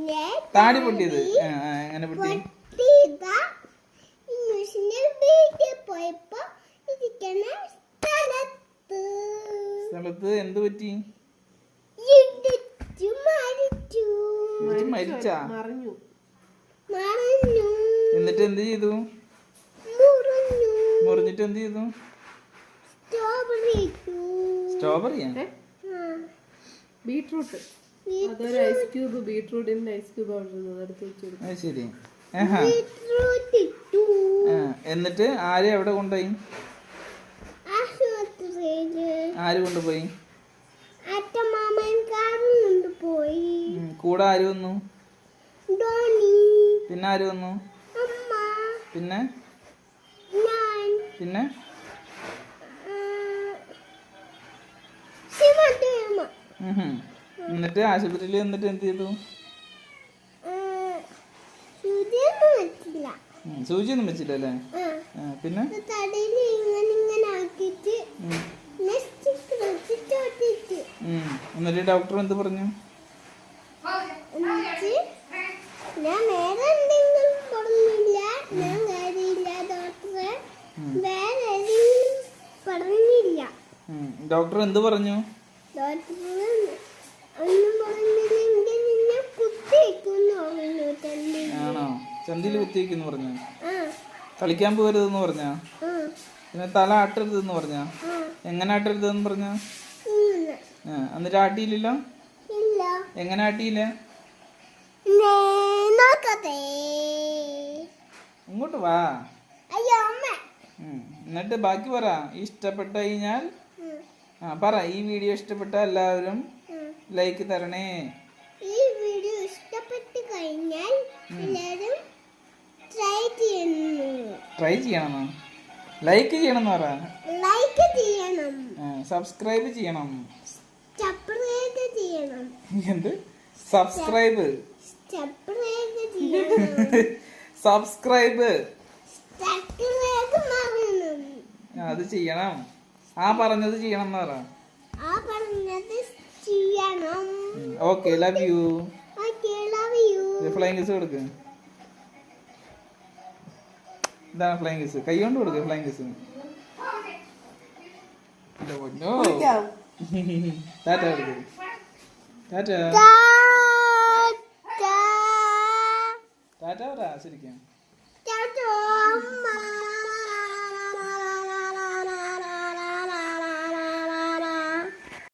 താടി പൊട്ടിയത് എങ്ങനെ പൊട്ടി? സ്ഥലത്ത് എന്ത് പറ്റി? മരിച്ചാ? എന്നിട്ട് എന്ത് ചെയ്തു? മുറിഞ്ഞിട്ട് എന്ത് ചെയ്തു? സ്ട്രോബെറിയാ? ബീട്രൂട്ട്. അതൊരു ഐസ് ക്യൂബ്, ബീട്രൂട്ടിന്റെ ഐസ് ക്യൂബ് അത് ശരി. എന്നിട്ട് ആരെ എവിടെ കൊണ്ടുപോയി? ആര് കൊണ്ടുപോയി? കൂടെ ആര് വന്നു? പിന്നെ ആര് വന്നു? പിന്നെ പിന്നെ എന്നിട്ട് ആശുപത്രിയിൽ എന്നിട്ട് എന്ത് ചെയ്തു? സൂചിയൊന്നും വെച്ചില്ലല്ലേ? പിന്നെ എന്നിട്ട് ഡോക്ടർ എന്ത് പറഞ്ഞു? ഡോക്ടർ എന്ത് പറഞ്ഞു? ആണോ? ചന്തിയിൽ കുത്തിവെക്കുന്നു പറഞ്ഞ? കളിക്കാൻ പോകരുതെന്ന് പറഞ്ഞ? പിന്നെ തല ആട്ടരുതെന്ന് പറഞ്ഞ? എങ്ങനെ ആട്ടരുതെന്ന് പറഞ്ഞ? എന്നിട്ട് ആട്ടിയില്ലല്ലോ? എങ്ങനെ ആട്ടിയില്ല? ഇങ്ങോട്ട് വാ. എന്നിട്ട് ബാക്കി പറ. ഇഷ്ടപ്പെട്ട കഴിഞ്ഞാൽ പറ. ഈ വീഡിയോ ഇഷ്ടപ്പെട്ട എല്ലാവരും ലൈക്ക് തരണേ. ഈ വീഡിയോ ഇഷ്ടപ്പെട്ട് കഴിഞ്ഞാൽ എല്ലാവരും ട്രൈ ചെയ്യണം. ലൈക്ക് ചെയ്യണം പറ. ലൈക്ക് ചെയ്യണം. സബ്സ്ക്രൈബ് ചെയ്യണം. സബ്സ്ക്രൈബ് ചെയ്യണം. എന്ത്? സബ്സ്ക്രൈബ് സബ്സ്ക്രൈബ് അത് ചെയ്യണം. പറഞ്ഞത് ചെയ്യണം എന്ന് പറ. Okay, love you. Flying kiss കൊടുക്ക്. ഇതാണ് ഫ്ലൈങ് കിസ്. കൈ കൊണ്ട് കൊടുക്ക് ഫ്ലൈങ് കിസ്. ടാറ്റ കൊടുക്ക്. ടാറ്റ ടാറ്റ പറ ശരിക്കും.